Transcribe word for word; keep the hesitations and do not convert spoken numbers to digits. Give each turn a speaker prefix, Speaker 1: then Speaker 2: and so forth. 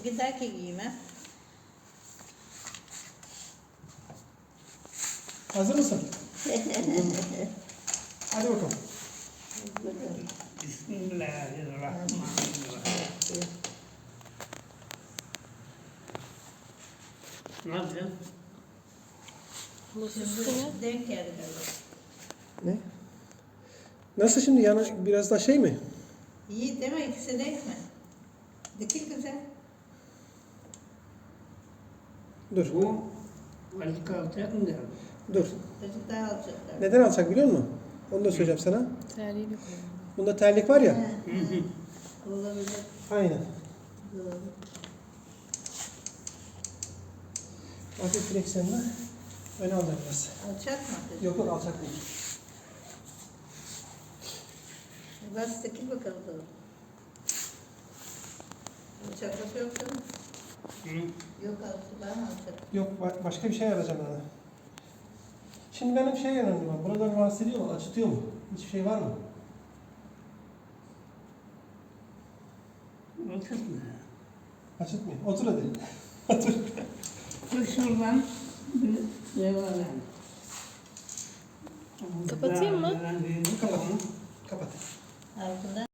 Speaker 1: Giderken giyme.
Speaker 2: Hazır mısın? Hadi bakalım.
Speaker 3: Bismillahirrahmanirrahim. Ne yapacaksın?
Speaker 1: Şimdi denk geldi galiba.
Speaker 2: Ne? Nasıl şimdi yani biraz daha şey mi?
Speaker 1: İyi değil mi? İkisi denk mi? Dikil güzel.
Speaker 2: Dur.
Speaker 3: Bu Ali kalacak mı diyorum?
Speaker 2: Dur.
Speaker 1: Çocuk daha alacaklar.
Speaker 2: Neden alacak biliyor musun? Onu da söyleyeceğim sana.
Speaker 4: Terliğini koyalım.
Speaker 2: Bunda terlik var ya.
Speaker 1: He, he. Olabilir.
Speaker 2: Aynen.
Speaker 1: Doğru.
Speaker 2: Hafif direksiyonla öne alacak biraz.
Speaker 1: Alacak mı?
Speaker 2: Yok yok alacak değil.
Speaker 1: Bas dikil bakalım. Doğru. Alacaklık yok değil mi?
Speaker 3: Hı?
Speaker 1: Yok alacak. Ben mi alacak?
Speaker 2: Yok ba- başka bir şey arayacağım ona. Şimdi benim şey önemli var. Buraları rahatsız ediyor mu? Acıtıyor mu? Hiçbir şey var mı?
Speaker 3: Otur mu?
Speaker 2: Acıtmıyor. Otur hadi. Otur.
Speaker 3: Dur şuradan bir devam edelim.
Speaker 4: Kapatayım mı?
Speaker 3: Kapat.
Speaker 2: Kapat.
Speaker 1: Altında.